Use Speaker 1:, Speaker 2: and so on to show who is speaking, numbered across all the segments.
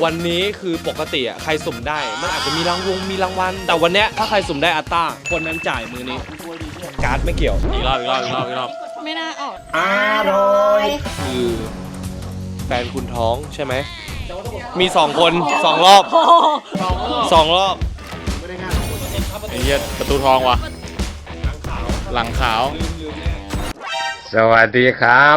Speaker 1: วันนี้คือปกติอ่ะใครสุ่มได้มันอาจจะมีรางวัลแต่วันเนี้ยถ้าใครสุ่มได้อัตตาคนนั้นจ่ายมือนี้การ์ดไม่เกี่ยวอีกรอบ
Speaker 2: ไม่น่าออก
Speaker 3: อร่อย
Speaker 1: คือแฟนคุณท้องใช่ไหมมี2 คน2 รอบ2 รอบ
Speaker 4: ไอ้เหี้ยประตูทองว่ะหลังขาว
Speaker 3: สวัสดีครับ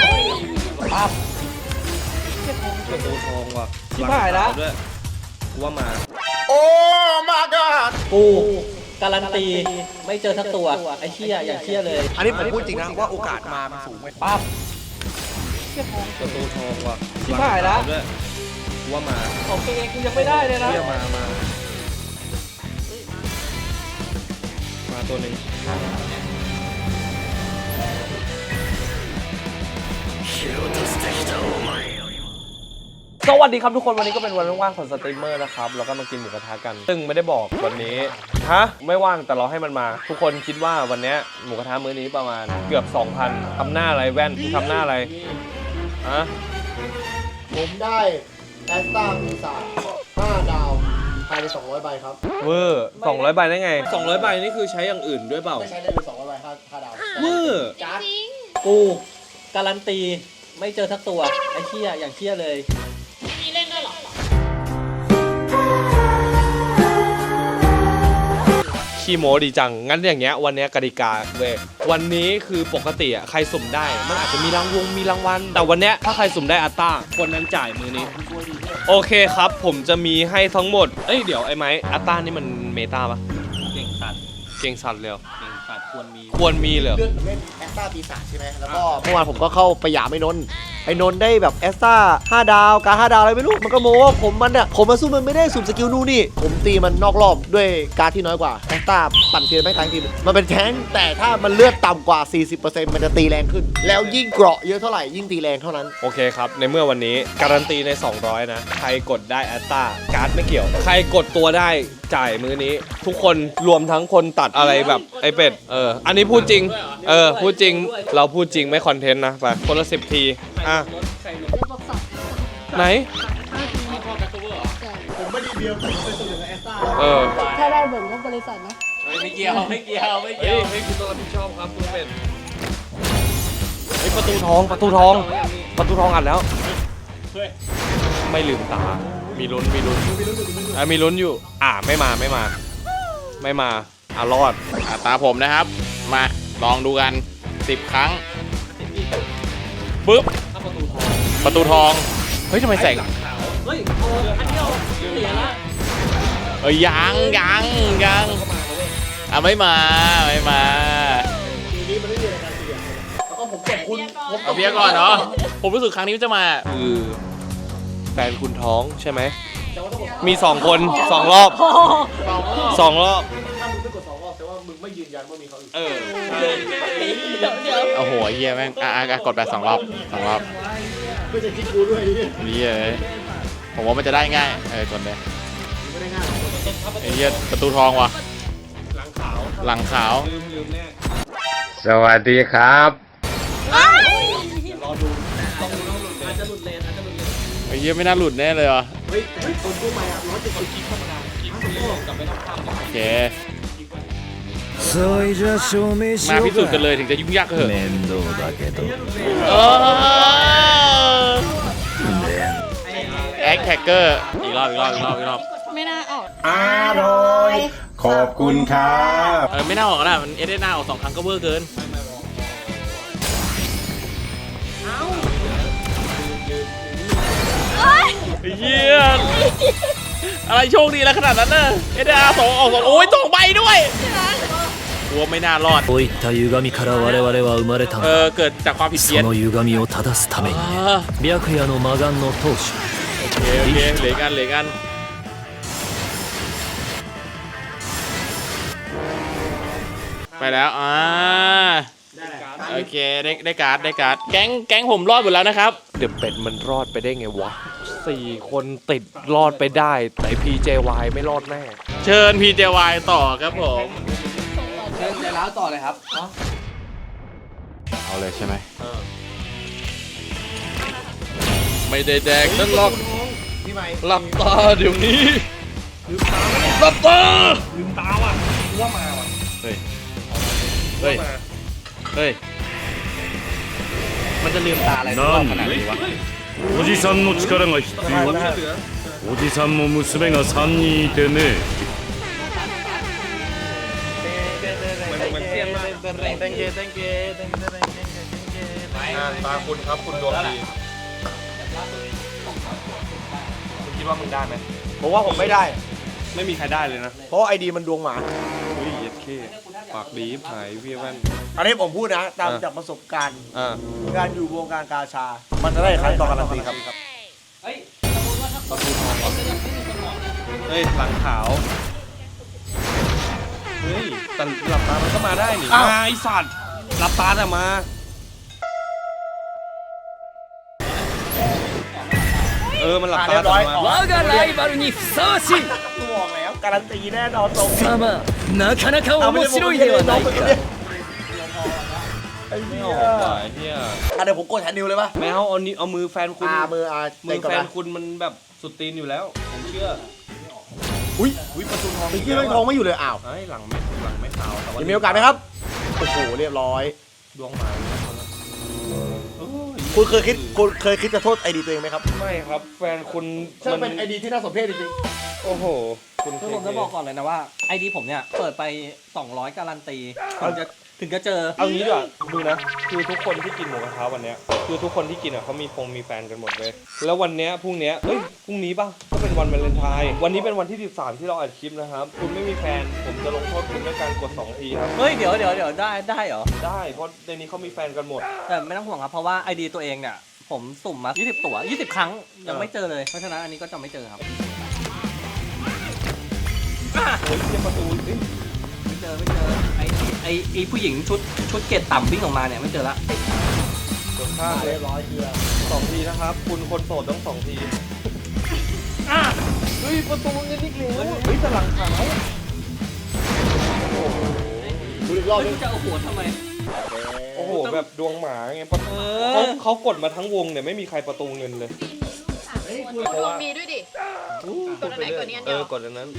Speaker 1: ประตูทองว่ะชิบหายแล้วด้วยว่ามา
Speaker 3: โอ้มาก่อน
Speaker 5: กูการันตีไม่เจอสักตัวไอ้เชี่ยอย่างเชี่ยเลย
Speaker 3: อันนี้ผมพูดจริงนะว่าโอกาสมามันสูงไหม
Speaker 5: ปั๊บ
Speaker 1: ประตูทองว่ะ
Speaker 5: ชิบหายแล้ว
Speaker 1: ด้วยว่ามา
Speaker 5: ของตัวเองกูยังไม่ได้เลยนะ
Speaker 1: มาตัวหนึ่งสวัสดีครับทุกคนวันนี้ก็เป็นวันว่างๆของสตรีมเมอร์นะครับเราก็มากินหมูกระทะกันซึ่งไม่ได้บอกวันนี้ไม่ว่างแต่เราให้มันมาทุกคนคิดว่าวันนี้หมูกระทะมื้อนี้ประมาณเกือบ 2,000 ทำหน้าอะไรแว่นทำหน้าอะไร
Speaker 6: ผมได้แอสตาปีศาจ5 ดาวภายใน200 ใบครับ
Speaker 1: เวอร์200 ใบได้ไง200 ใบนี่คือใช้อย่างอื่นด้วยเปล่า
Speaker 6: ไม่ใช้ได้เลย200 ใบ5 ดาว
Speaker 1: เวอร์
Speaker 5: กูการันตีไม่เจอสักตัวไอ้เชี่ยอย่างเชี่ยเลย
Speaker 2: มีเล่นด้วยหรอ
Speaker 1: ขี้โม้ดีจังงั้นอย่างเงี้ยวันนี้กติกาเว้ยวันนี้คือปกติอ่ะใครสุ่มได้มันอาจจะมีรางวัลแต่วันเนี้ยถ้าใครสุ่มได้อัตตาคนนั้นจ่ายมือนี้โอเคครับผมจะมีให้ทั้งหมดเดี๋ยวไอ้ไม้อัตตานี่มันเมตาปะเก่งสัตว์เลยเก่งสัตว์ควรมีเลย
Speaker 6: เล่นแอสตาปีศาจใช่ไหมแล้วก็เมื่อวานผมก็เข้าไปหยามไอ้นนท์ได้แบบแอสตา5 ดาวการ5 ดาวอะไรไม่รู้มันก็โม้ว่าผมมาสู้มันไม่ได้สุ่มสกิลนู่นนี่ผมตีมันนอกรอบด้วยการที่น้อยกว่าแอสตาปั่นเทียนไม่ทั้งทีมันเป็นแท้งแต่ถ้ามันเลือดต่ำกว่า 40% มันจะตีแรงขึ้นแล้วยิ่งเกราะเยอะเท่าไหร่ยิ่งตีแรงเท่านั้น
Speaker 1: โอเคครับในเมื่อวันนี้การันตีใน200นะใครกดได้แอตตาการ์ดไม่เกี่ยวใครกดตัวได้จ่ายมือนี้ทุกคนรวมทั้งคนตัดอะไรแบบไอเป็ดอันนี้พูดจริงพูดจริงเราพูดจริงไม่คอนเทนต์นะไปคนละ10 ทีไหน
Speaker 6: ผมไม่ดีเดียวผมไปสุ่มกับแอสตา
Speaker 2: ถ้าได้เบิ่งก็บริษัทนะ
Speaker 5: ไม่เกี่ยวให้
Speaker 1: คุณต้องรับผิดชอบครับคุณเป็ดประตูทองอัดแล้วไม่ลืมตามีลุ้นอยู่ไม่มารอด
Speaker 4: ตาผมนะครับมาลองดูกัน10 ครั้งปึ๊บประตูทองเฮ้ยทำไมแสง
Speaker 5: เฮ้ยอันเดียวเสียละ
Speaker 4: ยังไม่มา
Speaker 6: ทีนี้มันไม่มีอะไรการเสียแล้วก็ผมกดคุณ
Speaker 4: เอาเบียร์ก่อนเนาะผมรู้สึกครั้งนี้จะมา
Speaker 1: คือแฟนคุณท้องใช่ไหมมี2 คน2 รอบ
Speaker 6: ถ้ามึงไม่กด2 รอบแต่ว่ามึงไม่ยืนยันว่ามีเขาอีก
Speaker 4: โอ้โหเยี่ยแม่งกดแบบ2 รอบ
Speaker 6: ไม่จะคิดกูด้วย
Speaker 4: นี่เลยผมว่ามันจะได้ง่ายกดเลย
Speaker 6: ไม่ได้ง่าย
Speaker 4: ไอ้เหี้ยประตูทองว่ะหลังขาว
Speaker 3: สวัสดีครับ
Speaker 1: รอดูต้องหลุดอาจจะหลุดเลน
Speaker 4: ไอ้เหี้ยไม่น่าหลุดแน่เลยว่ะ
Speaker 6: เฮ้ยคนกู้ใหม่170
Speaker 1: คลิกธรรมดาคลิกกลับไปต้องทำ
Speaker 4: โอเคมาพิสูจน์กันเลยถึงจะยุ่งยากก็เถอะแอคแท็กเกอร์อีกรอบ
Speaker 2: ไม่น่าออก
Speaker 3: อร่อยขอบคุณครับ
Speaker 4: ไม่น่าออกนะมันได้หน้าออก2 ครั้งก็เวอร์เกินเฮียอะไรโชคดีแล้วขนาดนั้นน่ะSDR 2 ออก 2โอ้ย2 ใบด้วยกลัวไม่น่ารอดเกิดจากความผิดเพี้ยนโอเคเหลือกันไปแล้วโอเคได้การ์ดแก๊งผมรอดหมดแล้วนะครับ
Speaker 1: เดี๋ยวเป็ดมันรอดไปได้ไงวะ4 คนติดรอดไปได้แต่ PJY ไม่รอดแน่
Speaker 4: เชิญ PJY ต่อครับผม
Speaker 5: เชิญใจร้าวต่อเลยครับ
Speaker 4: เอาเลยใช่ไหม
Speaker 1: ไม่ได้แดกนั่นหรอก
Speaker 6: พี่ไม้
Speaker 1: หลับตาเดี๋ยวนี้หลับตาลืมตาว่ะว่ามาว่ะเฮ้ยเฮ้ยเฮ้ยมันจะลืมตาอะไรรอบขนาดนี้วะ
Speaker 7: おじさんの力が必要おじさんも娘が3人いてね
Speaker 1: มันเสี้ยนมาก
Speaker 3: ตาคุณครับคุณดวงดี
Speaker 1: มึงคิดว่ามึงได้ไหม
Speaker 6: ผมว่าผมไม่ได้
Speaker 1: ไม่มีใครได้เลยนะ
Speaker 6: เพราะไอดีมันดวงหมา
Speaker 1: อุ้ยเย็ดเข้ปากดีหายเวียแว่น
Speaker 6: อันนี้ผมพูดนะ ตามจากประสบการณ์
Speaker 1: อ่า
Speaker 6: การอยู่วงการกาชา มันจะได้ครั้งต่อการันตีครับ
Speaker 5: เฮ้ยสมมติว่าถ้าคนไม่มีสมองเนี่ย
Speaker 1: เฮ้ยหลังขาวเฮ้ยแต่หลับตามันก็มาได้นี่
Speaker 6: อ้าว
Speaker 1: มาไอสัตว์หลับตาแต่มามันหลับตา
Speaker 6: เรียบ
Speaker 1: แต่
Speaker 6: ร้อย
Speaker 1: มา
Speaker 6: ออก
Speaker 8: 我がライバルにふさわしい
Speaker 6: ตัวออกแล้วการันตีแน่นอนตรง
Speaker 8: 貴様なかなか面白いではないか
Speaker 6: ไอ้
Speaker 1: ไม่
Speaker 6: เหี้
Speaker 1: อย อกว่ะไอ้เฮีย
Speaker 6: เดี๋ยวผมกดแทนนิวเลยป่ะ
Speaker 1: ไม่เอานี่เอามือแฟนคุณ
Speaker 6: มือ
Speaker 1: มือ
Speaker 6: ก่อน
Speaker 1: แฟน
Speaker 6: นะ
Speaker 1: คุณมันแบบสุดตีนอยู่แล้วผมเชื่อ
Speaker 6: อุ้ย
Speaker 1: อุ้ยประตูทอง
Speaker 6: เมื่อกี้ไม่ทองไม่อยู่เลยอ้าว
Speaker 1: ไอ้หลังไม่ขาวแต่ว่า
Speaker 6: ยังมีโอกาสไหมครับโอ้โหเรียบร้อย
Speaker 1: ดวงหมาโอ้ย
Speaker 6: คุณเคยคิดจะโทษไอดีตัวเองไหมครับ
Speaker 1: ไม่ครับ แฟนคุณ
Speaker 6: ช่างเป็นไอดีที่น่าสมเพชจริง
Speaker 1: โอ้โหคุณ
Speaker 5: คือผมจะบอกก่อนเลยนะว่าไอดีผมเนี่ยเปิดไป 200 การันตีถึงจะเจอ
Speaker 1: เอางี้ดีกว่าดูนะคือทุกคนที่กินหมูกระทะวันเนี้ยคือทุกคนที่กินอ่ะเขามีแฟนกันหมดเลยแล้ววันเนี้ยพรุ่งเนี้ยเอ้ยพรุ่งนี้ป่ะก็เป็นวันวาเลนไทน์วันนี้เป็นวันที่13ที่เราอัดคลิปนะครับคุณไม่มีแฟนผมจะลงโทษคุณด้วยการกด2ทีครับ
Speaker 5: เฮ้ยเดี๋ยวได้เหรอ
Speaker 1: ได้เพราะในนี้เขามีแฟนกันหมด
Speaker 5: แต่ไม่ต้องห่วงครับเพราะว่าไอดีตัวเองเนี่ยผมสุ่มมา 20 ตัว 20 ครั้งยังไม่เจอเลยเพราะฉะนั้นอันนี้ก็จะไม่เจอครับ
Speaker 1: โอ้ยเทียบประตูเอ้ย
Speaker 5: ไม่เจอไอผู้หญิงชุดเกรดต่ำวิ่งออกมาเนี่ยไม่เจอละ
Speaker 1: กดข้าม
Speaker 6: ๆ
Speaker 1: เล
Speaker 6: เรี
Speaker 1: ย
Speaker 6: ยบร้อยเชียร์
Speaker 1: 2ทีนะครับ คุณคนโสดต้อง2ทีเฮ้ยประตูเงินอีกแล้วเฮ้ยแต่หลังขาว
Speaker 6: ดูอีกรอบ
Speaker 5: เฮ้ย
Speaker 6: นึ
Speaker 5: กู
Speaker 6: ง
Speaker 5: จะเอาหัวทำไม
Speaker 1: โอ้โหแบบดวงหมาไงประตูเขากดมาทั้งวงเนี่ยไม่มีใครประตูเงินเลย
Speaker 2: ดวงมีด้วยดิ กดอันไหนกดนี้อันเดียว
Speaker 1: กดอันนั้น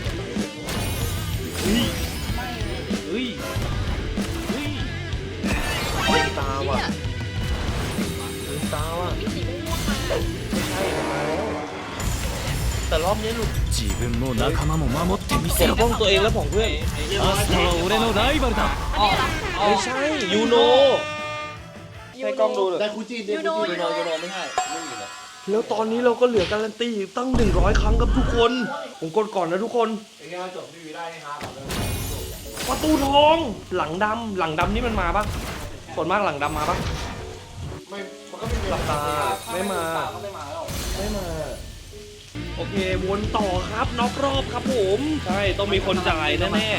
Speaker 1: เฮ้ยเฮ้ยเฮ้ยเฮ้ยตาว่ะลืมตาว่ะ
Speaker 2: มีสีม่วงมา
Speaker 1: ไม่ใช่มาแล้วแต่รอบนี้หลุด
Speaker 8: 自分も仲間も守ってみ
Speaker 1: ป
Speaker 8: せ
Speaker 1: ก
Speaker 8: ろ
Speaker 1: ป้องตัวเองและของเพื่อน
Speaker 8: アスタは俺のライバルだ
Speaker 1: ไม่ใช่ยูโนให้กล้องดูเลย
Speaker 6: ได้คูจีนได้คูจีน
Speaker 5: ยูโนไม่ใช่ไม่มีเลย
Speaker 1: แล้วตอนนี้เราก็เหลือการันตีตั้ง100 ครั้งครับทุกคน ผมกดก่อนนะทุกคน
Speaker 6: ไอ้เงี้ยจบทีวีได้ให้ฮาร์ดเลย
Speaker 1: ประตูทอง หลังดำนี่มันมาปะส่วนมากหลังดำมาปะ
Speaker 6: ไม่ มันก็ไม่มีหลัก
Speaker 1: ตาไม่มา
Speaker 5: ก็ไม่มาแล้ว
Speaker 1: ไม่มา โอเค วนต่อครับน็อกรอบครับผม ใช่ ต้องมีคนจ่ายแน่
Speaker 6: ได้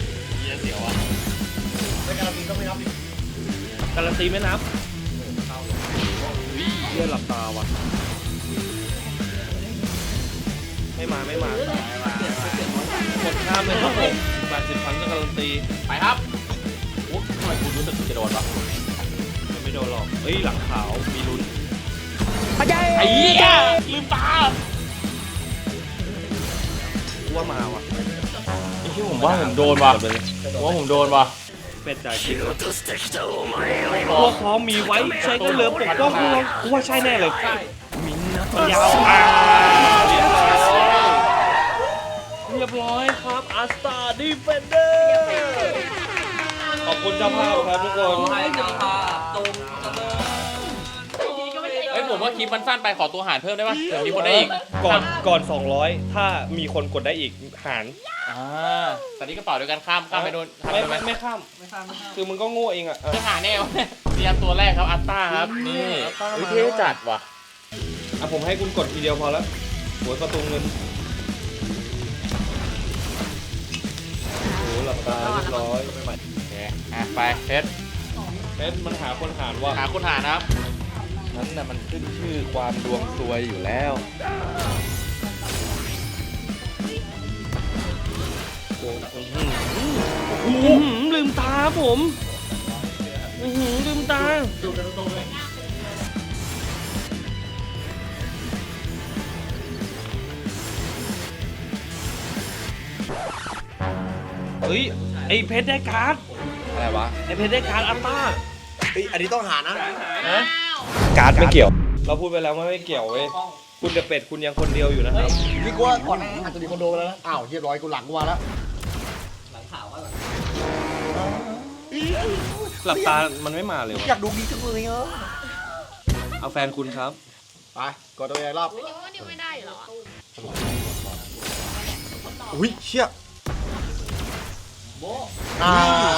Speaker 6: การันตีต้องไม่นับดิ
Speaker 1: ๆการันตีไม่นับเรียหลับตาว่ะ ไม่มา กดข้ามเลยครับผม80 ครั้งก็การันตี
Speaker 4: ไปครับโอ้ทำไมคุณรู้สึกจะโดนวะ
Speaker 1: ไม่โดนหรอก เฮ้ย หลังขาว มีลุ้น
Speaker 4: ไอ้เหี้ยลืมตา
Speaker 1: กูว่ามาว่ะ
Speaker 4: ไอ้ที่ผมว่าผมโดนว่ะผมว่าผมโดนว่ะ
Speaker 1: เป็ดจ่ายจริงพวกพร้อมมีไว้ใช้ก็เหลือปกป้องพวกเรากูว่าใช่แน่เลยมันยาวเรียบร้อยครับอาสตาดีเฟนเดอร์ขอบคุณเจ้าภาพครับทุกคน
Speaker 5: ใครจะพาตรงจะเลิก
Speaker 4: เฮ้ยผมว่าคลิปมันสั้นไปขอตัวหารเพิ่มได้ปะเดี๋ยวมีคนได้อีก
Speaker 1: ก่อน 200 ถ้ามีคนกดได้อีกหาร
Speaker 4: แต่นี่กระเป๋าเดียวกันข้ามไปโดนทำ
Speaker 1: ไม่
Speaker 4: ได้ไหม
Speaker 1: ไม่ข้าม คือมึงก็โง่เองอ่ะ
Speaker 4: จะหาแน่วะเตรียมตัวแรกครับอัตตาครับนี่วิเทจัดว่ะ
Speaker 1: อ่ะผมให้คุณกดทีเดียวพอแล้วหัวประตูเงินโอ้โหหลับตาเรียบร้อย
Speaker 4: โอเคไปเซต
Speaker 1: เอ๊ะมันหาคนหารว่ะ
Speaker 4: หาคุณหารครับ
Speaker 1: นั้นน่ะมันขึ้นชื่อความดวงซวยอยู่แล้วลืมตาผมลืมตาฮ้ยไอเพชรได้การ์ด
Speaker 4: อะไรวะ
Speaker 1: ไอเพชรได้การ์ดอัลต้า
Speaker 6: เฮ้ยอันนี้ต้องหานะ
Speaker 1: การ์ดไม่เกี่ยว เราพูดไปแล้วว่าไม่เกี่ยวเว้ยคุณเดอะเป็ดคุณยังคนเดียวอยู่นะครับ
Speaker 6: นี่กูว่าก่อนหน้านั้นอาจจะมีคนโดนไปแล้วนะอ้าวเรียบร้อยกูหลังกูมาแล้ว
Speaker 1: หลับตามันไม่มาเลยวะ
Speaker 6: อยากดูดีจังเลยอ่ะ
Speaker 1: เอาแฟนคุณครับ
Speaker 6: ไปกดตัวเองรอบ
Speaker 2: นิวว่านิวไม่ได้อยู่แล้วอะ
Speaker 6: อุ้ยเชี่ยอ่า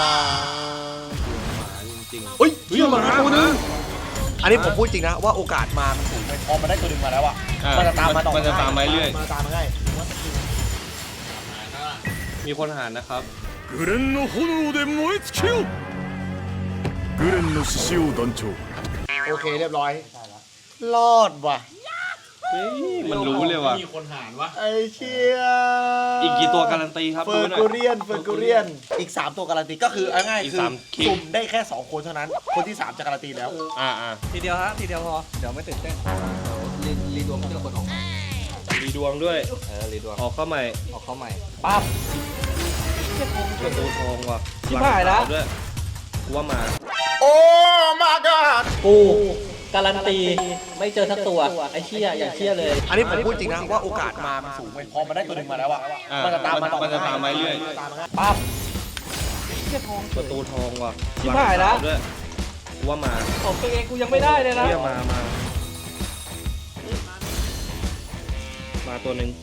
Speaker 1: จริง
Speaker 6: เฮ้ยเชี่ยมาตัวนึงอันนี้ผมพูดจริงนะว่าโอกาสมามันสูงพอมันได้ตัวนึงมาแล้วอ่ะ
Speaker 1: ๆ
Speaker 6: มันจะตามมาต่อ
Speaker 1: มันจะตามมาเรื่อย
Speaker 6: มันจะตามมาง่าย
Speaker 1: มีคนหารนะครับ
Speaker 7: グレンの炎で燃え尽きよグレンの獅子王団長
Speaker 6: โอเคเรียบร้อยรอดว่ะ
Speaker 1: เฮ้ยมันรู้เลยว่ะ
Speaker 6: ไอ้เชี่ย
Speaker 1: อีกกี่ตัวการันตีครับ
Speaker 6: เฟอร์
Speaker 1: ดูหน่
Speaker 6: กู
Speaker 1: อย
Speaker 6: เรียนอีก3ตัวการันตีก็คือเอาง่าย
Speaker 1: อีก
Speaker 6: คือ
Speaker 1: สามคิง
Speaker 6: สุ่มได้แค่2คนเท่านั้นคนที่3จะการันตีแล้ว
Speaker 5: ทีเดียวฮะทีเดียวพอเดี๋ยวไม่ตื่นเต้นรีดวงเพื่อคนออก
Speaker 1: รีดวงด้วย
Speaker 5: รีดวง
Speaker 1: ออกเข้าใหม่
Speaker 5: ออกเข้าใหม่ปั๊บ
Speaker 1: ประตูทองว่ะ
Speaker 5: ชิบหายแล้ว
Speaker 1: งขด้วยกูว่ามา
Speaker 6: โอ้มากัด
Speaker 5: กูการันตีไม่เจอทั้งตัวไอ้เชี่ยอย่างเชี่ยเลย
Speaker 6: อันนี้ผมพูดจริงนะว่าโอกาสมามันสูงพอมันได้ตัวหนึ่งมาแล้วอ่ะ
Speaker 1: อ่า
Speaker 6: มันจะตามมาต่อ
Speaker 1: มันจะตามมาเรื่อย
Speaker 6: นจะตามมาง่าย
Speaker 5: ปั๊บ
Speaker 1: ประตูทองว่ะ
Speaker 5: ชิบหายแล้ว
Speaker 1: งขด้วยกูว่ามา
Speaker 5: ของตัวเองกูยังไม่ได้เลยนะ
Speaker 1: เรียมาตัวหนึ่ง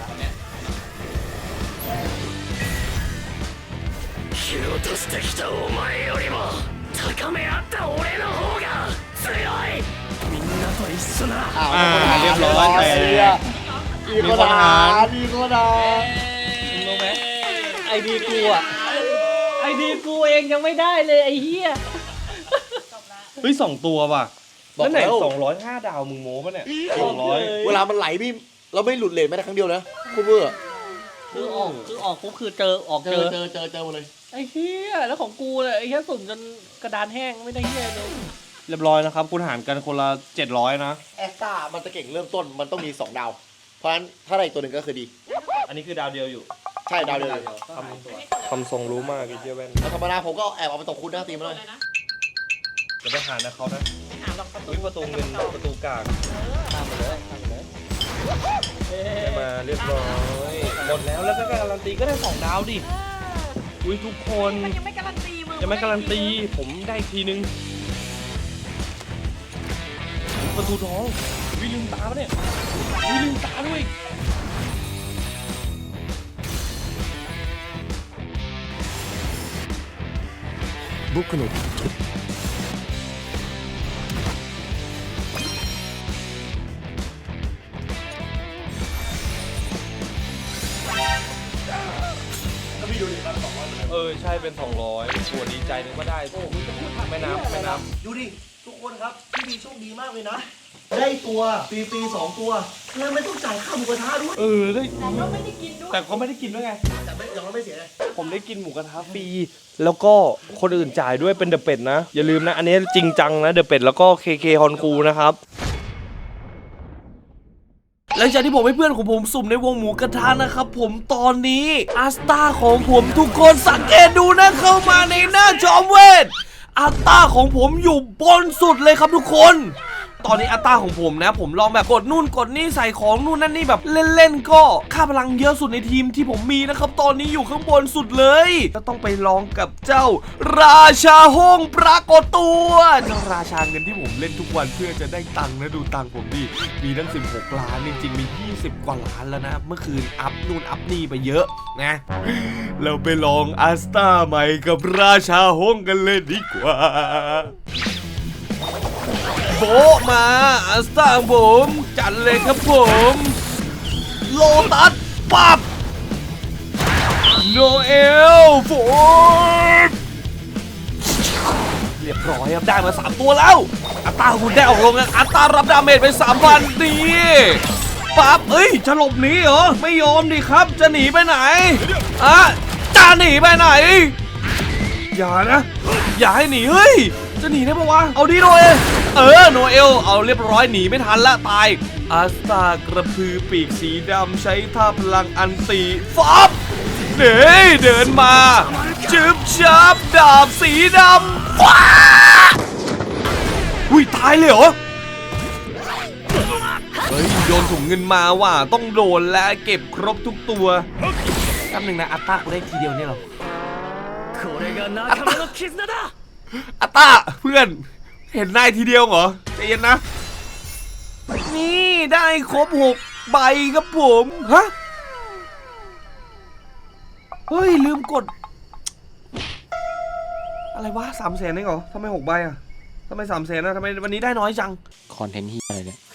Speaker 8: 蹴落としてきたお前よりも高め合った俺の方が強いみんなと一緒な
Speaker 1: เรียบร้อยแต่
Speaker 6: มีคนหามีคนหา
Speaker 5: รู้ไหมไอดีกูอ่ะไอดีกูเองยังไม่ได้เลยไอ้เหี้ย
Speaker 1: เฮ้ย2 ตัวว่ะแล้วไหน205 ดาวมึงโม้ปะเนี่ย200
Speaker 6: เวลามันไหลพี่เราไม่หลุดเลนแม้แต่ครั้งเดียวนะคูเบอร์
Speaker 5: คือออกปุ๊บคือเจอออก
Speaker 6: เจ
Speaker 5: เจ
Speaker 6: อ
Speaker 5: อ
Speaker 6: เจอหมดเลย
Speaker 5: ไอ้เหี้ยแล้วของกูเลยไอ้เหี้ยสุ่มจนกระดานแห้งไม่ได้เหี้ยเลย
Speaker 1: เรียบร้อยนะครับ คุณหารกันคนละ700นะ
Speaker 6: แอสตามันจะเก่งเริ่มต้นมันต้องมี2 ดาว เพราะฉะนั้นถ้าได้อีกตัวหนึ่งก็คือดี
Speaker 1: อันนี้คือดาวเดียวอยู่
Speaker 6: ใช่ดาวเดียว
Speaker 1: คำทรงรู้มากไอ้เจ้าแว่น
Speaker 6: แล้วธรรมดาผมก็แอบเอาไปตกคุณหน้าตีมาเลย
Speaker 1: จะไปหานะเขานะ
Speaker 2: หาลองประตู
Speaker 1: อุ้ยประตูเงินประตูกลาง
Speaker 5: ตามไปเลยตามไปเลย
Speaker 1: ได้มาเรียบร้อยหมดแล้วก็การันตีก็ได้2 ดาวดิอุ้ยทุกคน
Speaker 2: มันยังไม่การันตีมึง
Speaker 1: ยังไม่การันตีผมได้อีกทีนึงประตูทองวิลืมตาปะเนี่ยวิลืมตาด้วย
Speaker 7: 僕の
Speaker 1: ใช่เป็น200ส่วนดีใจนึงก็ได้โอ้ไม่นับ
Speaker 6: ดูดิทุกคนครับพี่ดีโชคดีมากเลยนะ ได้ตัวฟรีๆ2 ตัวแล้วไม่ต้องจ่ายค่าหมูกระทะด้วย
Speaker 1: ได้
Speaker 2: แต่ก็ไม่ได้กินด้วย
Speaker 1: แต่เขาไม่ได้กินด้วยไง
Speaker 6: แต่ไม่อย่างเราไม่เสียเลย
Speaker 1: ผมได้กินหมูกระทะฟรีแล้วก็คนอื่นจ่ายด้วยเป็นเดอะเป็ดนะ อย่าลืมนะ อันนี้จริงจังนะเดอะเป็ดแล้วก็เคฮอนคูนะครับ หลังจากที่ผมให้เพื่อนของผมสุ่มในวงหมูกระทะนะครับผมตอนนี้อาสตาของผมทุกคนสังเกตดูนะเข้ามาในหน้าจอมเวทอาสตาของผมอยู่บนสุดเลยครับทุกคน ตอนนี้อัตราของผมนะผมลองแบบกดนู่นกดนี่ใส่ของนู่นนั่นนี่แบบเล่นๆก็ค่าพลังเยอะสุดในทีมที่ผมมีนะครับตอนนี้อยู่ข้างบนสุดเลยก็ต้องไปลองกับเจ้าราชาห้องปรากฏตัวเจ้าราชาเงินที่ผมเล่นทุกวันเพื่อจะได้ตังค์นะดูตังค์ผมดิมีตั้ง16 ล้านจริงๆมี20 กว่าล้านแล้วนะเมื่อคืนอัพนู่นอัพนี่ไปเยอะนะเราไปลองอัสตาใหม่กับราชาห้องกันเลยดีกว่าโบมาอัสตาผมจัดเลยครับผมโลตัสปับโนเอลโฟร์เรียบร้อยครับได้มา3 ตัวแล้วอัตราคุณได้ออกลงกันอัตรารับดาเมจไป 3,000 ดีปั๊บเอ้ยจะหลบหนีเหรอไม่ยอมดิครับจะหนีไปไหนจะหนีไปไหนอย่านะอย่าให้หนีเฮ้ยจะหนีได้ปะวะเอาดิโนเอลโนเอลเอาเรียบร้อยหนีไม่ทันละตายอัสตากระพือปีกสีดำใช้ท่าพลังอันตีฟับเด้เดินมาจึบจับดาบสีดำว้าอุ้ยตายเลยเหรอเฮ้ยโดนถุงเงินมาว่ะต้องโดนแล้วเก็บครบทุกตัวแป๊บนึงนะอัตตากูได้ทีเดียวเนี่ยหรอ
Speaker 8: これが仲間の絆だ
Speaker 1: อัตตาเพื่อนเห็นนายทีเดียวเหรอใจเย็นนะนี่ได้ครบ6 ใบครับผมฮะเฮ้ยลืมกดอะไรวะ300,000เองเหรอทำไม6 ใบอ่ะทำไม300,000นะทำไมวันนี้ได้น้อยจัง
Speaker 5: คอนเทนต์ที่อะไรเนี่ย